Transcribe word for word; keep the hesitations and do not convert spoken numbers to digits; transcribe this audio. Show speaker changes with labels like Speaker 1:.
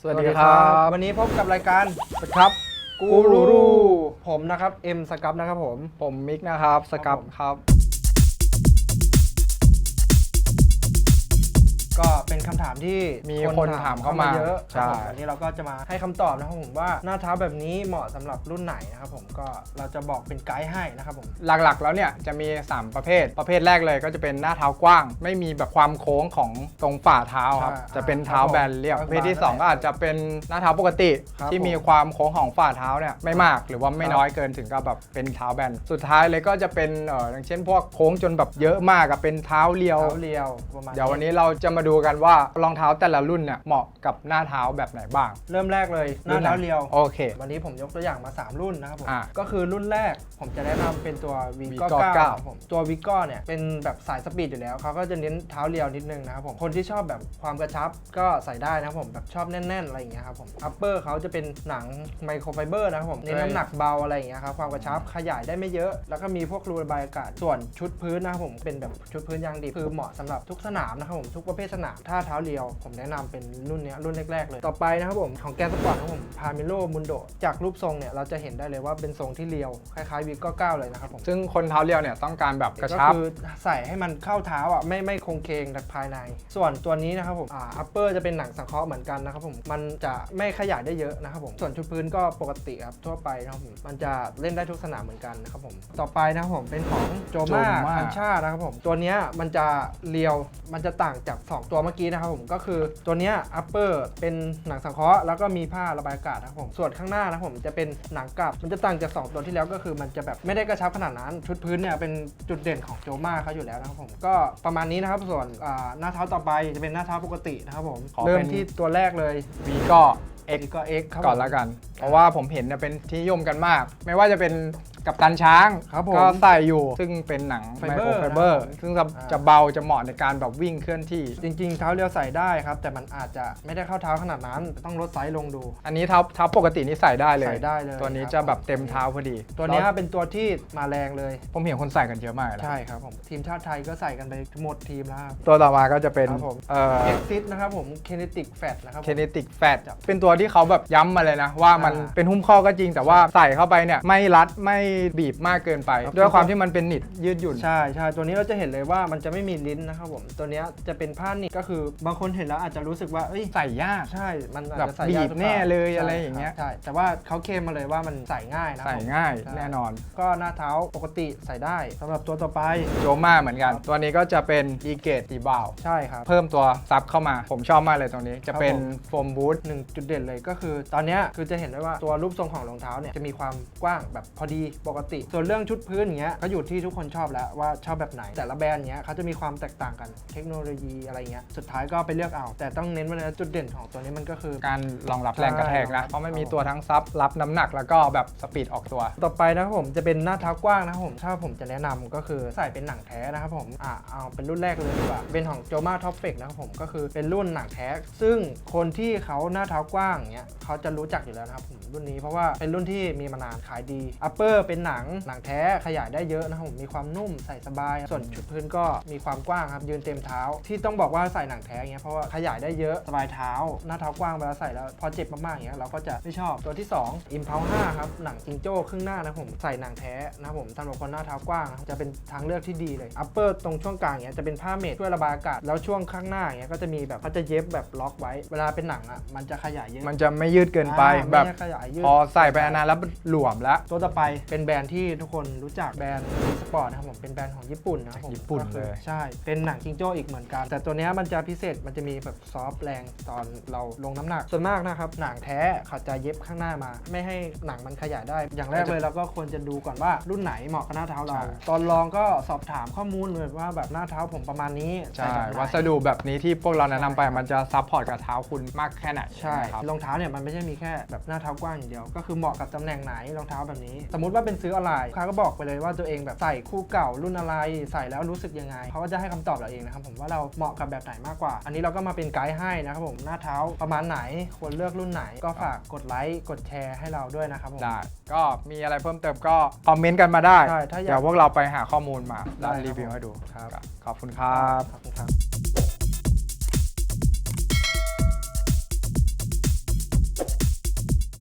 Speaker 1: สวัสดีครับ
Speaker 2: วันนี้พบกับรายการ
Speaker 1: สครับกูรู
Speaker 2: ผมนะครับเอ็มสกับนะครับผม
Speaker 1: ผมมิกนะครับสกับครับ
Speaker 2: ก็เป็นคำถามที่
Speaker 1: มีคนถามเข้ามา
Speaker 2: เยอะ
Speaker 1: ใช่
Speaker 2: วันนี้เราก็จะมาให้คำตอบนะครับผมว่าหน้าเท้าแบบนี้เหมาะสำหรับรุ่นไหนนะครับผมก็เราจะบอกเป็นไกด์ให้นะครับผม
Speaker 1: หลักๆแล้วเนี่ยจะมีสามประเภทประเภทแรกเลยก็จะเป็นหน้าเท้ากว้าง ไม่มีแบบความโค้งของตรงฝ่าเท้าครับจะเป็นเท้าแบนเรียบประเภทที่สองก็อาจจะเป็นหน้าเท้าปกติที่มีความโค้งของฝ่าเท้าเนี่ยไม่มากหรือว่าไม่น้อยเกินถึงกับแบบเป็นเท้าแบนสุดท้ายเลยก็จะเป็นเอออย่างเช่นพวกโค้งจนแบบเยอะมากกับเป็นเท้าเรียว
Speaker 2: เท้าเรียวประมาณ
Speaker 1: เดี๋ยววันนี้เราจะมาดูกันว่ารองเท้าแต่ละรุ่นเนี่ยเหมาะกับหน้าเท้าแบบไหนบ้าง
Speaker 2: เริ่มแรกเลยหน้าเท้าเรียว
Speaker 1: โอเค
Speaker 2: วันนี้ผมยกตัวอย่างมาสามรุ่นนะครับผม
Speaker 1: อ่ะ
Speaker 2: ก็คือรุ่นแรกผมจะแนะนำเป็นตัว วี โก้
Speaker 1: วี โก้
Speaker 2: เก้า
Speaker 1: เก้า
Speaker 2: ครับผมตัว วี โก้ เนี่ยเป็นแบบสายสปีดอยู่แล้วเขาก็จะเน้นเท้าเรียวนิดนึงนะครับผมคนที่ชอบแบบความกระชับก็ใส่ได้นะครับผมแบบชอบแน่นๆอะไรอย่างเงี้ยครับผมอัปเปอร์เขาจะเป็นหนังไมโครไฟเบอร์นะครับผมเน้นน้ำหนักเบาอะไรอย่างเงี้ยครับความกระชับขยายได้ไม่เยอะ แล้วก็มีพวกรูระบายอากาศส่วนชุดพื้นนะครับผมเป็นแบบชุดพื้นยางดิบคือเหมาะสำหรับทุกสนามนะครับผมทุกประเภทสนามถ้าเท้าเรียวผมแนะนำเป็นรุ่นนี้รุ่นแรกๆเลยต่อไปนะครับผมของแกนสปอร์ตนะครับผมพาเมโลมุนโดจากรูปทรงเนี่ยเราจะเห็นได้เลยว่าเป็นทรงที่เรียวคล้ายๆ วี โก้ เก้า เลยนะครับผม
Speaker 1: ซึ่งคนเท้าเรียวเนี่ยต้องการแบบกระ
Speaker 2: ก็
Speaker 1: ชับ
Speaker 2: คือใส่ให้มันเข้าเท้าอ่ะไม่ไม่คงเคงจากภายใน ส่วนตัวนี้นะครับผมอ่าอัปเปอร์จะเป็นหนังสังเคราะห์เหมือนกันนะครับผมมันจะไม่ขยายได้เยอะนะครับผมส่วนชุดพื้นก็ปกติครับทั่วไปนะครับผมมันจะเล่นได้ทุกสนามเหมือนกันนะครับผมต่อไปนะครับผมเป็นของโจมา
Speaker 1: Joma
Speaker 2: คันชานะครับผมตัวเนี้ยมันจะเรียวมันจะต่างจากสองตัวเมื่อกี้นะครับผมก็คือตัวเนี้ยอัปเปอร์เป็นหนังสังเคราะห์แล้วก็มีผ้าระบายอากาศนะครับผมส่วนข้างหน้านะครับผมจะเป็นหนังกลับมันจะต่างจากสองตัวที่แล้วก็คือมันจะแบบไม่ได้กระชับขนาดนั้นชุดพื้นเนี่ยเป็นจุดเด่นของโจมาเขาอยู่แล้วนะครับผมก็ประมาณนี้นะครับส่วนอ่าหน้าเท้าต่อไปจะเป็นหน้าเท้าปกตินะครับผม
Speaker 1: ขอเป็น
Speaker 2: เริ่มที่ตัวแรกเลย
Speaker 1: วีก็ X
Speaker 2: ก็ X ครับ
Speaker 1: ก่อนละกัน เพราะว่าผมเห็นเนี่ยเป็นที่นิยมกันมาก ไม่ว่าจะเป็นกับตันช้าง
Speaker 2: ครับผม
Speaker 1: ก็ใส่อยู่ซึ่งเป็นหนังไม
Speaker 2: ไฟ
Speaker 1: โค
Speaker 2: เบ
Speaker 1: ร
Speaker 2: อร์
Speaker 1: ไฟเบอร์
Speaker 2: นะครับ
Speaker 1: ซึ่งจะ
Speaker 2: อ่า
Speaker 1: จะเบาจะเหมาะในการแบบวิ่งเคลื่อนที่
Speaker 2: จริงๆเท้าเรียวใส่ได้ครับแต่มันอาจจะไม่ได้เข้าเท้าขนาดนั้นต้องลดไซส์ลงดู
Speaker 1: อันนี้เท้าเท้าปกตินี่ใส่ได้เลย
Speaker 2: ใส่ได้เลย
Speaker 1: ตัวนี้
Speaker 2: ครับ
Speaker 1: จะแบบเต็มเท้าพอดี
Speaker 2: ตัวเนี้ย
Speaker 1: แล้
Speaker 2: เป็นตัวที่มาแรงเลย
Speaker 1: ผมเห็นคนใส่กันเยอะมากเลยนะ
Speaker 2: ใช่ครับผมทีมชาติไทยก็ใส่กันไปหมดทีมแล้วครับ
Speaker 1: ตัวต่อมาก็จะเป็น
Speaker 2: ครับผม
Speaker 1: เอ่อ
Speaker 2: Exit นะครับผม Kinetic Fat นะครับผม
Speaker 1: Kinetic Fat เป็นตัวที่เขาแบบย้ำมาเลยนะ ว่ามัน
Speaker 2: อ่า
Speaker 1: เป็นหุ้มข้อก็จริง แต่ว่าใส่เข้าไปเนี่ยไม่รัดไม่บีบมากเกินไป
Speaker 2: ครับ
Speaker 1: ด้วยความที่มันเป็นหนิดยืดหยุ่น
Speaker 2: ใช่ใช่ตัวนี้เราจะเห็นเลยว่ามันจะไม่มีลิ้นนะครับผมตัวเนี้ยจะเป็นผ้าหนิบก็คือบางคนเห็นแล้วอาจจะรู้สึกว่าเอ้ย
Speaker 1: ใส่ยาก
Speaker 2: ใช่มันอาจ
Speaker 1: แบบ
Speaker 2: จะใส่ยาก
Speaker 1: บีบ
Speaker 2: หรือปา
Speaker 1: แน่เลย
Speaker 2: ใช่
Speaker 1: อะไรอย่างเงี้ย
Speaker 2: ใช่แต่ว่าเขาเคลมมาเลยว่ามันใส่ง่ายนะ
Speaker 1: ใส่
Speaker 2: ผม
Speaker 1: ง่าย
Speaker 2: ใช่
Speaker 1: แน่นอน
Speaker 2: ก็หน้าเท้าปกติใส่ได้สำหรับตัวต่อไป
Speaker 1: โจมาเหมือนกัน ตัวนี้ก็จะเป็นอีเกตตีบาว
Speaker 2: ใช่ครับ
Speaker 1: เพิ่มตัวซับเข้ามา ผมชอบมากเลยตรงนี้ จะเป็น
Speaker 2: ครับผม
Speaker 1: โฟมบูท
Speaker 2: หนึ่งจุดเด่นเลยก็คือตอนเนี้ยคือจะเห็นได้ว่าตัวรูปทรงของรองเท้าเนี่ยจะมีความกว้างแบบพอดีปกติ ส่วนเรื่องชุดพื้นอย่างเงี้ยก็อยู่ที่ทุกคนชอบแล้วว่าชอบแบบไหนแต่ละแบรนด์เงี้ยเขาจะมีความแตกต่างกันเทคโนโลยีอะไรเงี้ยสุดท้ายก็ไปเลือกเอา แต่ต้องเน้นว่านะจุดเด่นของตัวนี้มันก็คือ
Speaker 1: การรองรับแรงกระแทกนะ เพราะมันมีตัวทั้งซับรับน้ำหนักแล้วก็แบบสปีดออกตัว
Speaker 2: ต่อไปนะครับผมจะเป็นหน้าเท้ากว้างนะครับผมถ้าผมจะแนะนำก็คือใส่เป็นหนังแท้นะครับผมอ่าเอาเป็นรุ่นแรกเลยดีกว่าเป็นของโจมาท็อปเฟกนะครับผมก็คือเป็นรุ่นหนังแท้ซึ่งคนที่เขาหน้าเท้ากว้างเงี้ยเขาจะรู้จักอยู่แล้วนะครับผมรุ่นนี้เพราะว่าเป็นรุ่นที่มีมานานขายดีอัปเปอร์เป็นหนังหนังแท้ขยายได้เยอะนะครับผมมีความนุ่มใส่สบายส่วนชุดพื้นก็มีความกว้างครับยืนเต็มเท้าที่ต้องบอกว่าใส่หนังแท้เงี้ยเพราะว่าขยายได้เยอะสบายเท้าหน้าเท้ากว้างเวลาใส่แล้วพอเจ็บมากๆอย่างเงี้ยเราก็จะไม่ชอบตัวที่สอง Impulse ห้าครับหนังจิงโจ้ครึ่งหน้านะผมใส่หนังแท้นะครับผมสำหรับคนหน้าเท้ากว้างนะครับจะเป็นทางเลือกที่ดีเลยอัปเปอร์ตรงช่วงกลางเงี้ยจะเป็นผ้าเมทช่วยระบายอากาศแล้วช่วงข้างหน้าเงี้ยก็จะมีแบบเขาจะเย็บแบบล็อกไว้เวลาเป็นหนังอ่ะมันจะขยายเยอะ
Speaker 1: มันจะไม่ยืดเกินไป
Speaker 2: อ่า
Speaker 1: แบบ
Speaker 2: ไม่ได้ขยายยืด
Speaker 1: พอใส่ไปนานๆแล้วหลวมแล้ว
Speaker 2: ตัวต่อไปเป็นแบรนด์ที่ทุกคนรู้จักแบรนด์สปอร์ตนะครับผมเป็นแบรนด์ของญี่ปุ่นนะครับผม
Speaker 1: ญี่ปุ่น
Speaker 2: ก็คือ
Speaker 1: เลย
Speaker 2: ใช่เป็นหนังจิงโจ้อีกเหมือนกัน แต่ตัวเนี้ยมันจะพิเศษมันจะมีแบบซอฟต์แรงตอนเราลงน้ำหนักส่วนมากนะครับหนังแท้เขาจะเย็บข้างหน้ามา ไม่ให้หนังมันขยายได้ อย่างแรกเลยเราก็ควรจะดูก่อนว่ารุ่นไหนเหมาะกับหน้าเท้าเรา ตอนลองก็สอบถามข้อมูลเลยว่าแบบหน้าเท้าผมประมาณนี้
Speaker 1: ใช่
Speaker 2: ใส่แบบไหน
Speaker 1: วัสดุแบบนี้ที่พวกเราแนะนำไปมันจะซัพพอร์ตกับเท้าคุณมากแค่ไหน
Speaker 2: ใช่
Speaker 1: นะครับ
Speaker 2: รองเท้าเนี่ยมันไม่ใช่มีแค่แบบหน้าเท้ากว้างอย่างเดียวก็คือเหมาะกับตำแหน่งไหนรองเท้าแบบนี้ สมมุติว่าเป็นซื้อออนไลน์ลูกค้าก็บอกไปเลยว่าตัวเองแบบใส่คู่เก่ารุ่นอะไรใส่แล้วรู้สึกยังไงเขาก็จะให้คำตอบเราเองนะครับผมว่าเราเหมาะกับแบบไหนมากกว่า อันนี้เราก็มาเป็นไกด์ให้นะครับผมหน้าเท้าประมาณไหนควรเลือกรุ่นไหนก็ฝากกดไลค์กดแชร์ให้เราด้วยนะครับผม
Speaker 1: ได้ก็มีอะไรเพิ่มเติมก็คอมเมนต์กันมาได้
Speaker 2: ใช่ถ้าอยาก
Speaker 1: เดี๋ยวพวกเราไปหาข้อมูลมาแล้ว
Speaker 2: ได้ครับ
Speaker 1: รีวิวให้ดู
Speaker 2: ครับ
Speaker 1: ขอบคุณครับ
Speaker 2: ขอบคุณครับ